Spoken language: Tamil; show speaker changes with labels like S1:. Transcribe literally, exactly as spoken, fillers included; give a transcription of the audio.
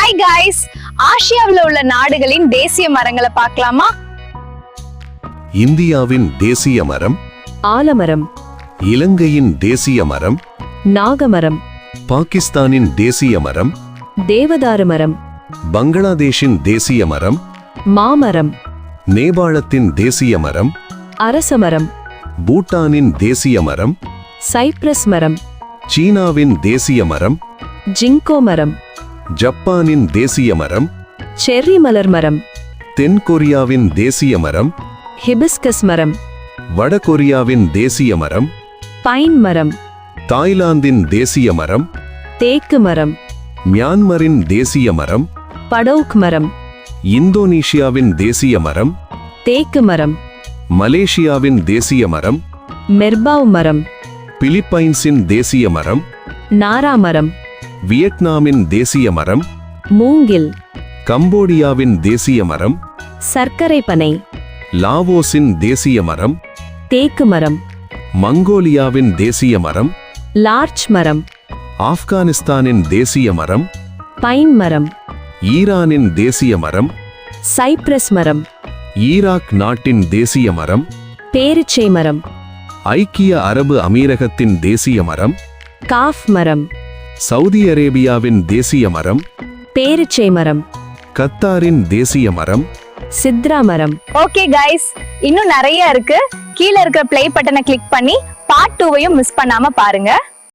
S1: ஹாய் காய்ஸ், ஆசியாவில் உள்ள நாடுகளின் தேசிய மரங்களை பார்க்கலாமா?
S2: இந்தியாவின் தேசிய மரம்
S3: ஆலமரம்,
S2: இலங்கையின் தேசிய மரம்
S3: நாகமரம்,
S2: பாகிஸ்தானின் தேசிய மரம்
S3: தேவதாரு மரம்,
S2: பங்களாதேஷின் தேசிய மரம்
S3: மாமரம்,
S2: நேபாளத்தின் தேசிய மரம்
S3: அரசமரம்,
S2: பூட்டானின் தேசிய மரம்
S3: சைப்ரஸ் மரம்,
S2: சீனாவின் தேசிய மரம்
S3: ஜிங்கோ மரம்,
S2: ஜப்பானின் தேசிய மரம்
S3: செர்ரி மலர் மரம்,
S2: தென்கொரியாவின் தேசிய மரம்
S3: ஹிபிஸ்கஸ் மரம்,
S2: வடகொரியாவின் தேசிய மரம்
S3: பைன் மரம்,
S2: தாய்லாந்தின் தேசிய மரம்
S3: தேக்கு மரம்,
S2: மியான்மரின் தேசிய மரம்
S3: படோக் மரம்,
S2: இந்தோனேஷியாவின் தேசிய மரம்
S3: தேக்கு மரம்,
S2: மலேசியாவின் தேசிய மரம்
S3: மெர்பாவ் மரம்,
S2: பிலிப்பைன்ஸின் தேசிய மரம்
S3: நாரா மரம்,
S2: வியட்நாமின் தேசிய மரம்
S3: மூங்கில்,
S2: கம்போடியாவின் தேசிய மரம்
S3: சர்க்கரை பனை,
S2: லாவோஸின் தேசிய மரம்
S3: தேக்கு மரம்,
S2: மங்கோலியாவின் தேசிய மரம்
S3: லார்ச் மரம்,
S2: ஆப்கானிஸ்தானின் தேசிய மரம்
S3: பைன் மரம்,
S2: ஈரானின் தேசிய மரம்
S3: சைப்ரஸ் மரம்,
S2: ஈராக் நாட்டின் தேசிய மரம்
S3: பேரிச்சை மரம்,
S2: ஐக்கிய அரபு அமீரகத்தின் தேசிய மரம்
S3: காஃப் மரம்,
S2: சவுதி அரேபியாவின் தேசிய மரம்
S3: பேரிச்சை மரம்,
S2: கத்தாரின் தேசிய மரம்
S3: சித்ரா மரம்.
S1: ஓகே காய்ஸ், இன்னும் நிறைய இருக்கு. கீழே இருக்கிற ப்ளே பட்டனை கிளிக் பண்ணி பார்ட் டூவையும் மிஸ் பண்ணாம பாருங்க.